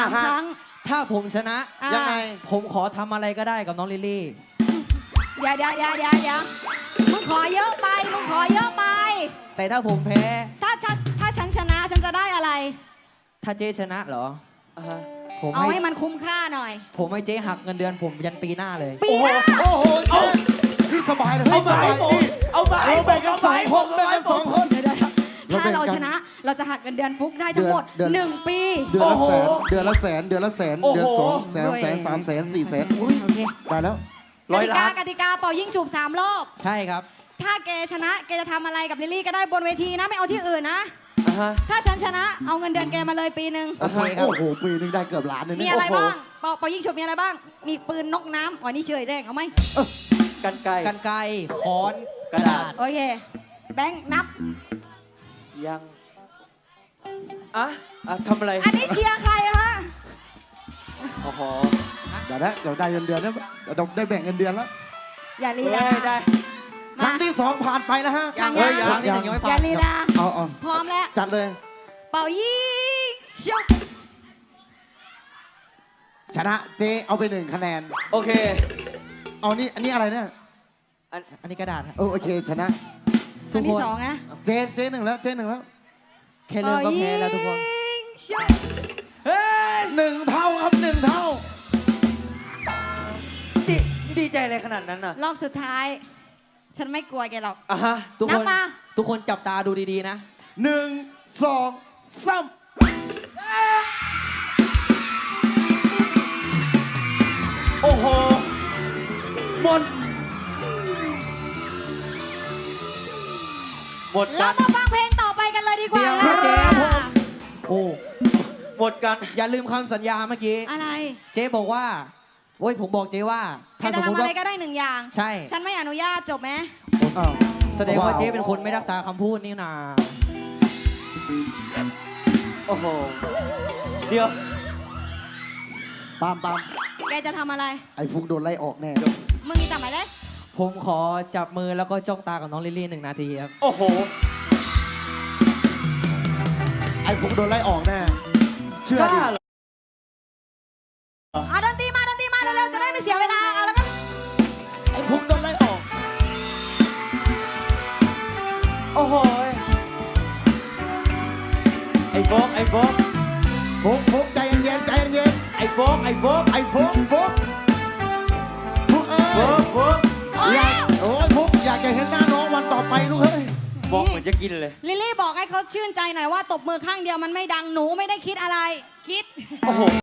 3 ครั้งถ้าผมชนะยังไงผมขอทำอะไรก็ได้กับน้องลิลลี่เดี๋ยวมึงขอเยอะไปแต่ถ้าผมแพ้ถ้าฉันชนะฉันจะได้อะไรถ้าเจ๊ชนะเหรอผมเอาให้มันคุ้มค่าหน่อยผมให้เจ๊หักเงินเดือนผมยันปีหน้าเลยปีหน้าโอ้โหนี่สบายเลยเอาไปแบ่งกัน2 คนถ้าเราชนะเราจะหักเงินเดือนฟุกได้ทั้งหมด1 ปีเดือนละแสนเดือนละ2 แสน3 แสน4 แสนโอเคได้แล้วกติกาเป่ายิงฉุบ3 รอบใช่ครับถ้าแกชนะแกจะทำอะไรกับลิลลี่ก็ได้บนเวทีนะไม่เอาที่อื่นนะถ้าฉันชนะเอาเงินเดือนแกมาเลยปีหนึ่งโอเคครับโอ้โหปีนึงได้เกือบล้านเลยมีอะไรบ้างเป่ายิงฉุบมีอะไรบ้างมีปืนนกน้ำอ๋อนี่เฉยแรงเอาไหมกันไกค้อนกระดาษโอเคแบงค์นับยังทำอะไรอันนี้เชียร์ใครฮะโอ้โหเดี๋ยวได้เงินเดือนแล้วได้แบ่งเงินเดือนแล้วอย่าลีลาได้ครั้งที่2ผ่านไปแล้วฮะยังอย่าลีลาพร้อมแล้วจัดเลยเป่ายิงฉุบชนะเจเอาไป1 คะแนนโอเคเอานี่อันนี้อะไรเนี่ยอันนี้กระดาษโอเคชนะอันที่2นะเจ1แล้วแค่เริ่มก็แพ้แล้วทุกคน 1 เท่าครับ1 เท่าดีใจอะไรขนาดนั้นน่ะรอบสุดท้ายฉันไม่กลัวแกหรอกทุกคนจับตาดูดีๆนะ 1 2 3 โอ้โหหมดเรามาฟังเพลงต่อไปกันเลยดีกว่าเจ๊โอ้หมดกันอย่าลืมคำสัญญาเมื่อกี้อะไรเจ๊บอกว่าโอ้ยผมบอกเจ๊ว่าถ้าจะทำอะไรก็ได้1 อย่างใช่ฉันไม่อนุญาตจบไหมแสดงว่าเจ๊เป็นคนไม่รักษาคำพูดนี่นาโอ้โหเดี๋ยวปามแกจะทำอะไรไอ้ฟุกโดนไล่ออกแน่มึงมีจับไหมเลยผมขอจับมือแล้วก็จ้องตากับน้องลิลลี่1 นาทีครับโอ้โหไอ้ฟุกโดนไล่ออกแน่เชื่อดิดนตรีมาเร็วๆจะได้ไม่เสียเวลาเอาแล้วก็ไอ้ฟุกโดนไล่ออกโอ้โหไอ้โฟกใจเย็นไอ้โฟกโอ้ยฟุกอยากจะเห็นหน้าน้องวันต่อไปลูกเฮ้ยบอกเหมือนจะกินเลยลิลลี่บอกให้เขาชื่นใจหน่อยว่าตบมือข้างเดียวมันไม่ดังหนูไม่ได้คิดอะไรคิดโอ้โห